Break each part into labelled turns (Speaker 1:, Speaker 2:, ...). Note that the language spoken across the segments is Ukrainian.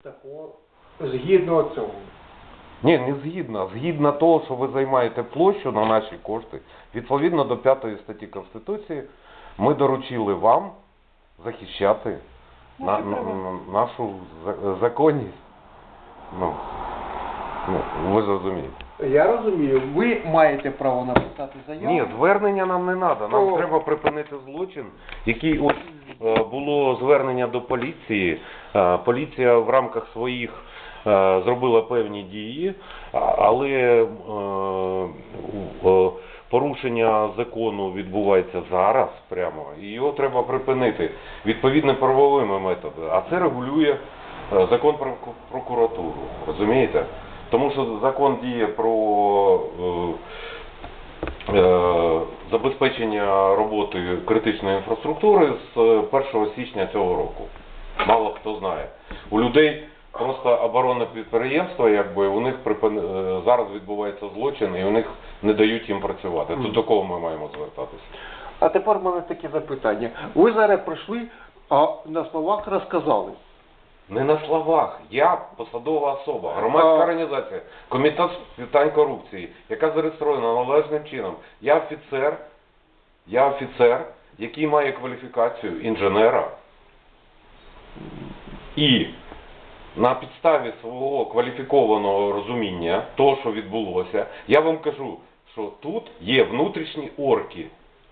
Speaker 1: Такого згідно цього.
Speaker 2: Ні, не згідно. Згідно того, що ви займаєте площу на наші кошти, відповідно до 5 статті Конституції, ми доручили вам захищати нашу законність. Ви зрозумієте.
Speaker 1: Я розумію, ви маєте право написати заяву.
Speaker 2: Ні, звернення нам не треба. Нам треба припинити злочин, який було звернення до поліції. Поліція в рамках своїх зробила певні дії, але порушення закону відбувається зараз прямо, і його треба припинити відповідно правовими методами. А це регулює закон про прокуратуру, розумієте? Тому що закон діє про забезпечення роботи критичної інфраструктури з 1 січня цього року. Мало хто знає. У людей просто оборонне підприємство, якби у них зараз відбувається злочин і у них не дають їм працювати. То до кого ми маємо звертатися?
Speaker 1: А тепер в мене таке запитання. Ви зараз прийшли, а на словах розказали.
Speaker 2: Не на словах. Я посадова особа, громадська організація, комітет з питань корупції, яка зареєстрована належним чином. Я офіцер, який має кваліфікацію інженера. І на підставі свого кваліфікованого розуміння того, що відбулося, я вам кажу, що тут є внутрішні орки.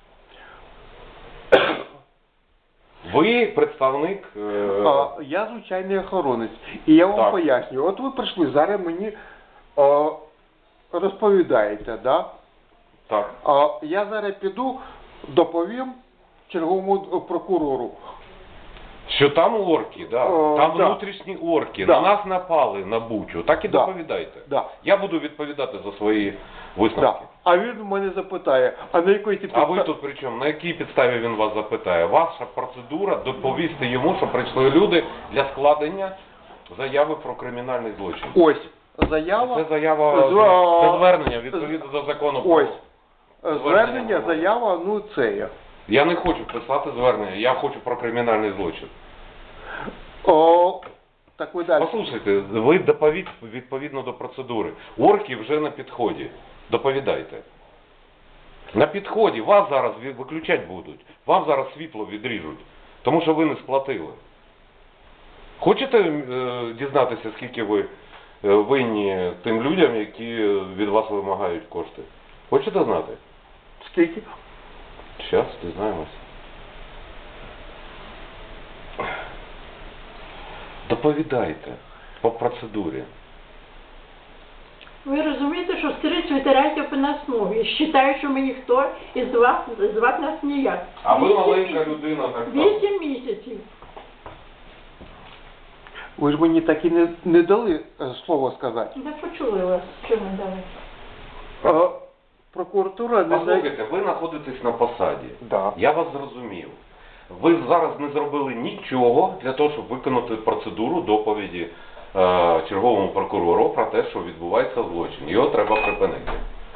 Speaker 2: Ви представник...
Speaker 1: Я звичайний охоронець. І я вам пояснюю. От ви прийшли, зараз мені розповідаєте, да?
Speaker 2: Так.
Speaker 1: Я зараз піду, доповім черговому прокурору.
Speaker 2: Що там орки, да. Там внутрішні орки. На нас напали на Бучу. Так і доповідайте. Я буду відповідати за свої висновки.
Speaker 1: А він мене запитає, а на якій підставі...
Speaker 2: А ви тут при чому? На якій підставі він вас запитає? Ваша процедура доповісти йому, що прийшли люди для складення заяви про кримінальний злочин.
Speaker 1: Ось, заява...
Speaker 2: Це заява, це звернення відповідно до закону.
Speaker 1: Ось, звернення, заява, ну це я.
Speaker 2: Я не хочу писати звернення, я хочу про кримінальний злочин.
Speaker 1: Так ви далі.
Speaker 2: Послухайте, ви доповідь відповідно до процедури. Орки вже на підході. Доповідайте. На підході. Вас зараз виключати будуть. Вам зараз світло відріжуть. Тому що ви не сплатили. Хочете дізнатися, скільки ви винні тим людям, які від вас вимагають кошти? Хочете знати?
Speaker 1: Скільки?
Speaker 2: Зараз дізнаємося. Доповідайте по процедурі.
Speaker 3: Ви розумієте, що скрізь витирають по нас ноги. Вважають, що ми ніхто і звати нас ніяк.
Speaker 2: А ви маленька людина, так само.
Speaker 3: 8 місяців.
Speaker 1: Ви ж мені так і не дали слово сказати.
Speaker 3: Не почули вас, що ми дали.
Speaker 1: Прокуратура не...
Speaker 2: Послухайте, ви знаходитесь на посаді.
Speaker 1: Да.
Speaker 2: Я вас зрозумів. Ви зараз не зробили нічого для того, щоб виконати процедуру доповіді черговому прокурору про те, що відбувається злочин. Його треба припинити.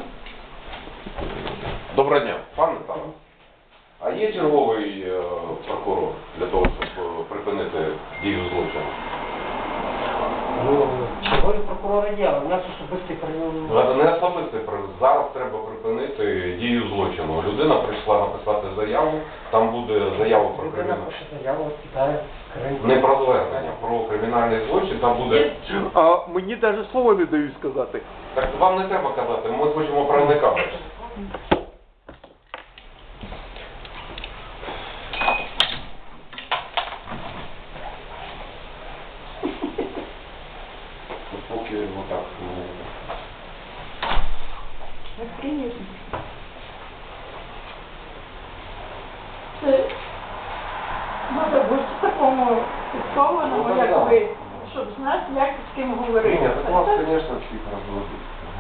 Speaker 2: Доброго дня, пане Тарас. А є черговий прокурор для того, щоб припинити дію злочину?
Speaker 4: Ну, чергові прокурори є, але у нас особистий прийом.
Speaker 2: Не особистий прийом. Зараз треба припинити дію злочину. Людина прийшла написати заяву, там буде заява про
Speaker 4: Людина
Speaker 2: кримінальний.
Speaker 4: пише заяву, кидає скриньку.
Speaker 2: Не про звернення, про кримінальний злочин, там буде...
Speaker 1: А мені навіть слова не дають сказати.
Speaker 2: Так вам не треба казати, ми хочемо правника бачити. Поки отак.
Speaker 3: Це треба бути такому підкованому, як ви, щоб знати, як з ким говорити.
Speaker 2: Ні, так вас, звісно, всіх розводить.